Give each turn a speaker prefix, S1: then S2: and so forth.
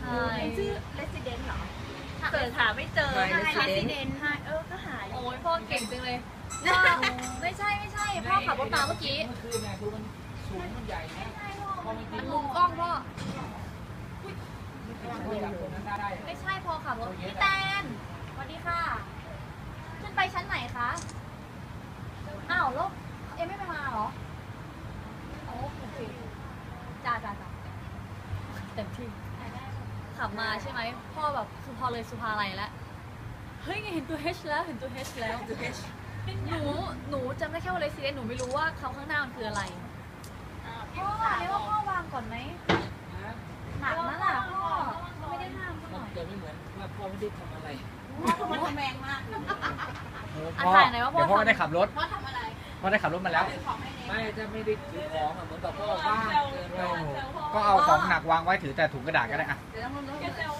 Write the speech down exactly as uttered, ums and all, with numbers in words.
S1: ชื่อ Resident เหรอ
S2: เกิดหาไม่เจอ
S1: ใช่ Resident ใช่เออก็หาย
S2: โอ้ยพ่อเก่งจังเลยไม่ใช่ไม่ใช่พ่อขับรถมาเมื่อกี้
S3: คือไงคือมันสูงมันใหญ่นะพอมันกิ
S2: มัน นมุมกล้องพ่อ
S3: ได้
S2: ไม่ใช่พอขับรถพี่แตนสวัสดีค่ะขึ้นไปชั้นไหนคะอ้าวแล้วเอ็มไม่ไปมาเหรอโอ้โอเคจ้าจ้าจ้าเต็มที่ขับมาใช่ไหมพ่อแบบคือพอเลยสุภาลัยแล้วเฮ้ยเห็นตัว H แล้วเห็นตัว H แล้วตัว H หนูหนูจำได้แค่ว่า Resident หนูไม่รู้ว่าคำข้างหน้ามันคืออะไรพ่อเรียกว่าพ่อวางก่อนไหมหนักนะล่ะพ่อไม่ได้ห้ามพ่อ
S3: มันจะไม่เหมือนว่าพ่อไม่ได้ทำอะไร
S1: พ่อมันทำแรงมาก
S3: พ่อเดี๋ยวพ่อได้ขับรถ
S1: พ่อทำอะไร
S3: พ่อได้ขับรถมาแล้ว
S1: ซื้อของให้เน
S3: ไม่จะไม่ได้ถือของเหมือนกับพ่อว่างเกินไป
S4: ก็เอาของหนักวางไว้ถือแต่ถุงกระดาษก็ได้อะ
S1: เดี๋ยวต้องรู้
S2: แกเซล